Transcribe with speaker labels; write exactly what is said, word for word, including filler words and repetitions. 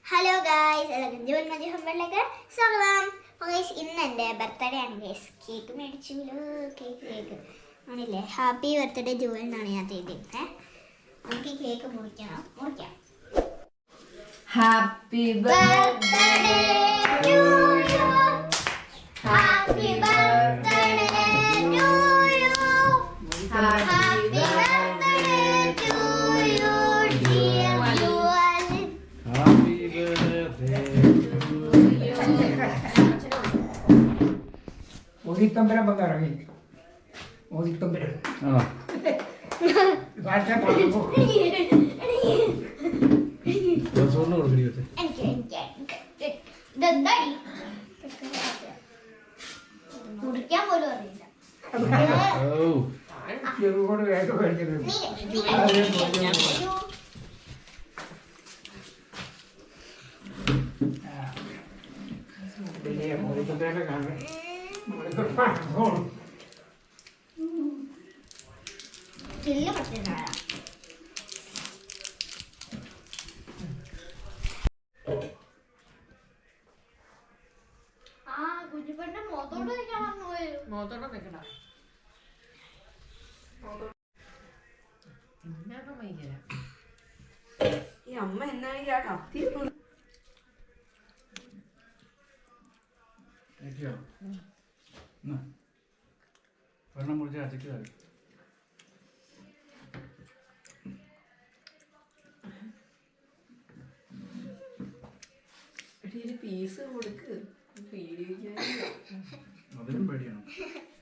Speaker 1: Hello guys, എല്ലാവർക്കും June മതി ഹമ്പറിലേക്ക് സ്വാഗതം. ഗൈസ്, ഇന്ന് എൻ്റെ ബർത്ത്ഡേ ആണ് ഗൈസ്. കേക്ക് മേടിച്ചല്ലോ, കേക്ക് കേക്ക് ആണില്ലേ. ഹാപ്പി ബർത്ത്ഡേ ജൂൺ എന്നാണ് ഞാൻ ചെയ്തിരുന്നത്. നമുക്ക് ഈ കേക്ക് മുറിക്കണം, മുറിക്കാം.
Speaker 2: Happy birthday to you, happy birthday to you, happy birthday to you dear Jewel.
Speaker 3: Happy birthday to you.
Speaker 4: ഓതിത്തമ്പരം വന്നിറങ്ങി. ഓതിത്തമ്പരം
Speaker 3: ആണോ?
Speaker 4: ഭാഷ പറഞ്ഞു.
Speaker 3: ദിവസം കൊടുക്കടി വെച്ചേ.
Speaker 1: എനിക്ക് എനിക്ക് ഇതെന്താടി മുറിക്കാൻ പോലും അറിയില്ല.
Speaker 3: ഓ
Speaker 4: ചെറുകോട് വേഗം മേടിച്ചത്. പിന്നെ ഓതിത്തമ്പരം കാണാൻ
Speaker 1: ചില്ല് പറ്റുന്നതാ. ആ കുഞ്ഞിപ്പന്റെ മുഖത്തോട്ട് വെക്കാൻ പറഞ്ഞു പോയോ?
Speaker 2: മോത്തോടെ വെക്കണ എന്നാണ് ഭയങ്കര ഈ അമ്മ എന്നാണ് ഈ ആ കത്തി
Speaker 3: കഴിക്കോ? എന്നാ വെള്ളം മുറിച്ച് അച്ചയ്ക്ക് തരും.
Speaker 2: പീസ് കൊടുക്ക് പേടിക്കാൻ
Speaker 3: അതിനും പേടിയാണ്.